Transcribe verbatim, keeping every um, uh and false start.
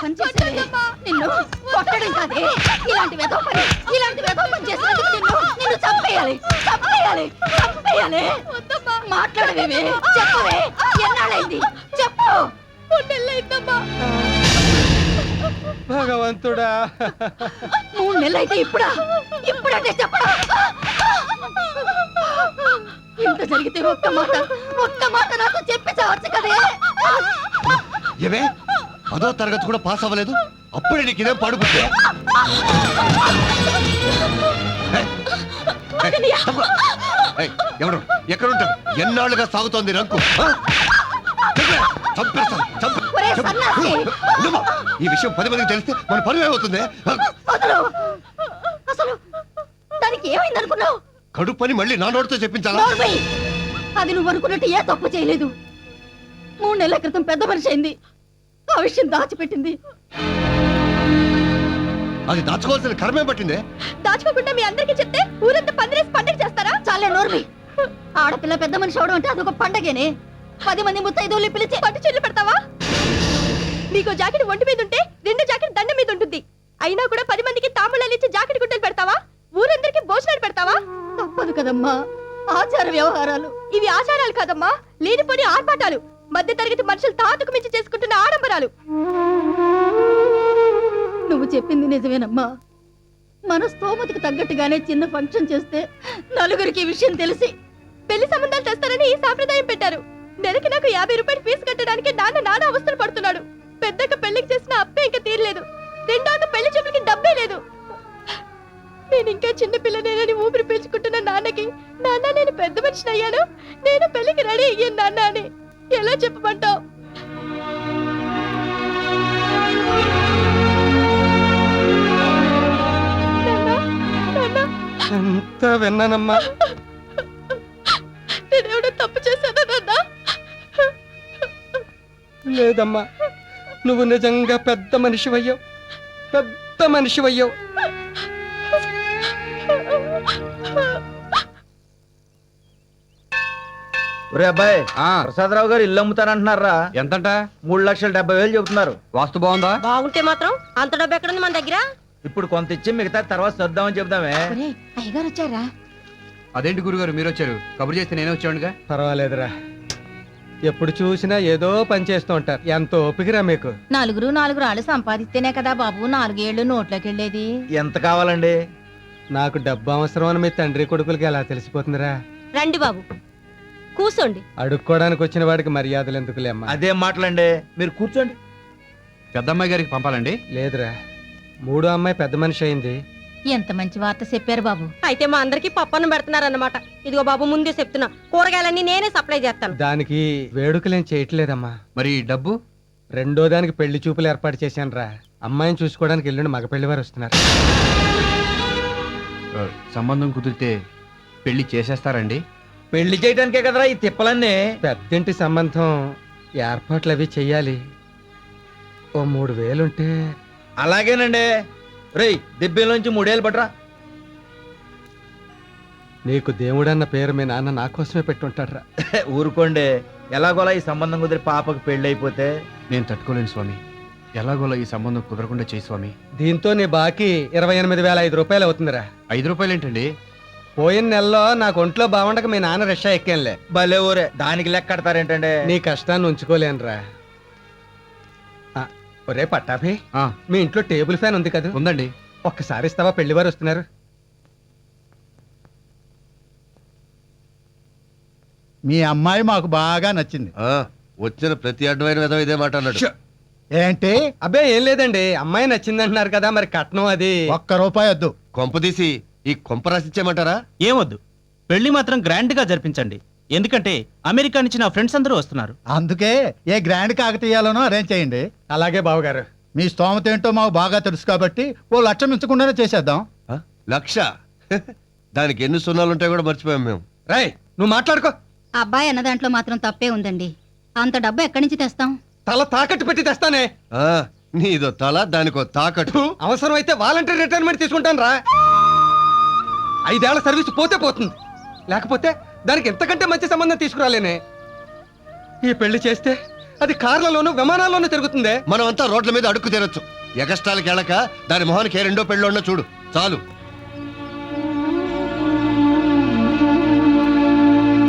పని చేసేది నిన్ను కొట్టడం కాదే, ఇలాంటి వెధవ పని ఇలాంటి వెధవ పని చేసినందుకు నిన్ను నిన్ను చంపేయాలి చంపేయాలి చంపేయాలి. మాట్లాడవేమే, చెప్పవే, ఎన్నాళ్ళైంది చెప్పు. నెలైందమ్మా. భగవంతుడా, మూడు నెలలైతే ఇప్పుడా ఇప్పుడంటే చెప్పడా? ఇంత జరిగితే ఒక్క మాట ఒక్క మాట నాతో చెప్పి చావచ్చు కదే. ఏమే పదో తరగతి కూడా పాస్ అవ్వలేదు, అప్పుడే నీకు ఇదేం పడుకుంటే? ఎవరు ఎక్కడుంటారు? ఎన్నాళ్ళుగా సాగుతోంది రంకు. ఈ విషయం పది మందికి తెలిస్తే మన పరువు ఏమవుతుంది? అసలు దానికి ఏమైంది అనుకున్నావు? కడుపు పని మళ్ళీ నా నోటితో చెప్పించాలా? అది నువ్వు అనుకున్నట్టు ఏ తప్పు చేయలేదు. మూడు నెలల క్రితం పెద్ద మనిషి అయింది, ఆ విషయం దాచిపెట్టింది. అది దాచుకోవాల్సిన కర్మే పట్టిందే. దాచుకోకుండా మీ అందరికీ చెప్తే ఊరంతా పందిరేసి పండగ చేస్తారా? చాలే నోర్మి. ఆడపిల్ల పెద్ద మనిషి అవడం అంటే అదొక పండగేనే. పది మంది ముత్తైదువులు పిలిచి పట్టు చీరలు పెడతావా? నీకు జాకెట్ ఒంటి మీద ఉంటే రెండు జాకెట్ దండ మీద ఉంటుంది. అయినా కూడా పది మందికి తాంబూలాలు ఇచ్చి జాకెట్ గుడ్డలు పెడతావా? ఊరందరికి భోజనాలు పెడతావా? తప్పదు కదమ్మా, ఆచార వ్యవహారాలు. ఇవి ఆచారాలు కాదమ్మా, లేనిపోని ఆర్పాటాలు. మధ్య తరగతి మనుషులు తాతకు మించి చేసుకుంటున్న ఆడంబరాలు. నువ్వు చెప్పింది నిజమేనమ్మా. మన స్తోమతికి తగ్గట్టుగానే చిన్న ఫంక్షన్ చేస్తే నలుగురికి విషయం తెలిసి పెళ్లి సంబంధాలు తెస్తారని ఈ సాంప్రదాయం పెట్టారు. నెలకి నాకు యాభై రూపాయలు ఫీజు కట్టడానికి నాన్న నాన్న అవస్థలు పడుతున్నాడు. పెద్దక్క పెళ్లికి చేసిన అప్పే ఇంకా తీరలేదు. రెండోక పెళ్లి చూపులకి డబ్బే లేదు. నేను ఇంకా చిన్న పిల్లనేనని ఊపిరి పీల్చుకుంటున్న నాన్నకి నాన్న నేను పెద్ద మనిషిని అయ్యాను, నేను పెళ్లికి రెడీ అయ్యాను నాన్న అని ఎలా చెప్పమంటావు? ఎంత విన్నానమ్మా. నేనేమైనా తప్పు చేశానా నాన్న? లేదమ్మా, నువ్వు నిజంగా పెద్ద మనిషివయ్యావు, పెద్ద మనిషివయ్యావు. ఒరే అబ్బాయి, ప్రసాదరావు గారు ఇల్లు అమ్ముతానంటున్నారా? ఎంతంట? మూడు లక్షల డెబ్బై వేలు చెబుతున్నారు. వాస్తు బాగుందా? బాగుంటే మాత్రం అంత డబ్బు ఎక్కడుంది మన దగ్గర? ఇప్పుడు కొంత ఇచ్చి మిగతా తర్వాత సర్దామని చెబుదామే. అయ్యగారు వచ్చారా? అదేంటి గురుగారు మీరు వచ్చారు? కబురు చేస్తే నేనే వచ్చానుగా. పర్వాలేదురా, ఎప్పుడు చూసినా ఏదో పని చేస్తూ ఉంటారు. ఎంత ఓపికరా మీకు. నలుగురు నాలుగు రాళ్ళు సంపాదిస్తేనే కదా బాబు నాలుగేళ్లు నోట్లోకి వెళ్ళేది. ఎంత కావాలండి? నాకు డబ్బు అవసరం అని మీ తండ్రి కొడుకులకి ఎలా తెలిసిపోతుందిరా? రండి బాబు కూర్చోండి. అడుక్కోడానికి వచ్చిన వాడికి మర్యాదలు ఎందుకులేమ్మా. అదేం మాటలండి, మీరు కూర్చోండి. పెద్దమ్మాయి గారికి పంపాలండి. లేదురా, మూడో అమ్మాయి పెద్ద మనిషి అయింది. ఎంత మంచి వార్త చెప్పారు బాబు. అయితే మా అందరికి పప్పన్నం పెడుతున్నారన్నమాట. ఇదిగో బాబు ముందే చెప్తున్నా, కూరగాయలన్నీ నేనే సప్లై చేస్తాను. దానికి వేడుకలేం చేయట్లేదమ్మా. మరి డబ్బు? రెండో దానికి పెళ్లి చూపులు ఏర్పాటు చేశాను రా. అమ్మాయిని చూసుకోవడానికి ఎల్లుండి మగ పెళ్లి వారు వస్తున్నారు. సంబంధం కుదిరితే పెళ్లి చేసేస్తారండి? పెళ్లి చేయడానికే కదరా ఈ తిప్పలన్నీ. పెద్దింటి సంబంధం ఏర్పాట్లు అవి చెయ్యాలి. ఓ మూడు వేలుంటే. అలాగేనండి. రేయ్, దిబ్బేలోంచి మూడేళ్ళు పట్రా. నీకు దేవుడన్న పేరు మీ నాన్న నా కోసమే పెట్టుంటాడ్రా. ఊరుకోండి, ఎలాగోలా ఈ సంబంధం కుదిరి పాపకు పెళ్లి అయిపోతే. నేను తట్టుకోలేను స్వామి, ఎలాగోలా ఈ సంబంధం కుదరకుండా చేయి స్వామి. దీంతో నీ బాకీ ఇరవై ఎనిమిది వేల ఐదు రూపాయలు అవుతుందిరా. ఐదు రూపాయలు ఏంటండి? పోయిన నెలలో నాకు ఒంట్లో బాగుండక మీ నాన్న రిక్షా ఎక్కానులే. భలే ఊరే, దానికి లెక్క కడతారేంటండి? నీ కష్టాన్ని ఉంచుకోలేనురా. ఒరే పట్టాభి, మీ ఇంట్లో టేబుల్ ఫ్యాన్ ఉంది కదా? ఉందండి. ఒక్కసారి ఇస్తావా? పెళ్లి వారు వస్తున్నారు. మీ అమ్మాయి మాకు బాగా నచ్చింది. వచ్చిన ప్రతి అడ్డమైన విధం ఇదే మాట అన్నాడు. ఏంటి? అబ్బే ఏం లేదండి, అమ్మాయి నచ్చింది అంటున్నారు కదా, మరి కట్నం అది. ఒక్క రూపాయి వద్దు. కొంపదీసి ఈ కొంప రాసిచ్చేయమంటారా? ఏమొద్దు, పెళ్లి మాత్రం గ్రాండ్ గా జరిపించండి. ఎందుకంటే అమెరికా నుంచి నా ఫ్రెండ్స్ అందరూ వస్తున్నారు. అందుకే ఏ గ్రాండ్ కాకతీయాలనో అరేంజ్ చేయండి. అలాగే బావగారు. మీ స్తోమత ఏంటో మాకు బాగా తెలుసు కాబట్టి ఓ లక్ష మించకుండానే చేసేద్దాం. లక్ష? దానికి ఎన్ని సున్నాలు ఉంటాయో కూడా మర్చిపోయాం మేము. రై, నువ్వు మాట్లాడుకో. అబ్బాయి అన్న దాంట్లో మాత్రం తప్పే ఉందండి. అంత డబ్బు ఎక్కడి నుంచి తెస్తాం? తల తాకట్టు పెట్టి తెస్తానే. నీదో తల, దానికో తాకట్టు. అవసరం అయితే వాలంటరీ రిటైర్మెంట్ తీసుకుంటాను రా. ఐదేళ్ల సర్వీస్ పోతే పోతుంది, లేకపోతే దానికి ఎంతకంటే మంచి సంబంధం తీసుకురాలేనే. ఈ పెళ్లి చేస్తే అది కార్లలోనూ విమానాల్లోనూ తిరుగుతుందే. మనమంతా రోడ్ల మీద అడుక్కు తినొచ్చు. ఎగస్టాలకి వెళ్ళక దాని మొహానికి ఏ రెండో పెళ్ళో చూడు చాలు.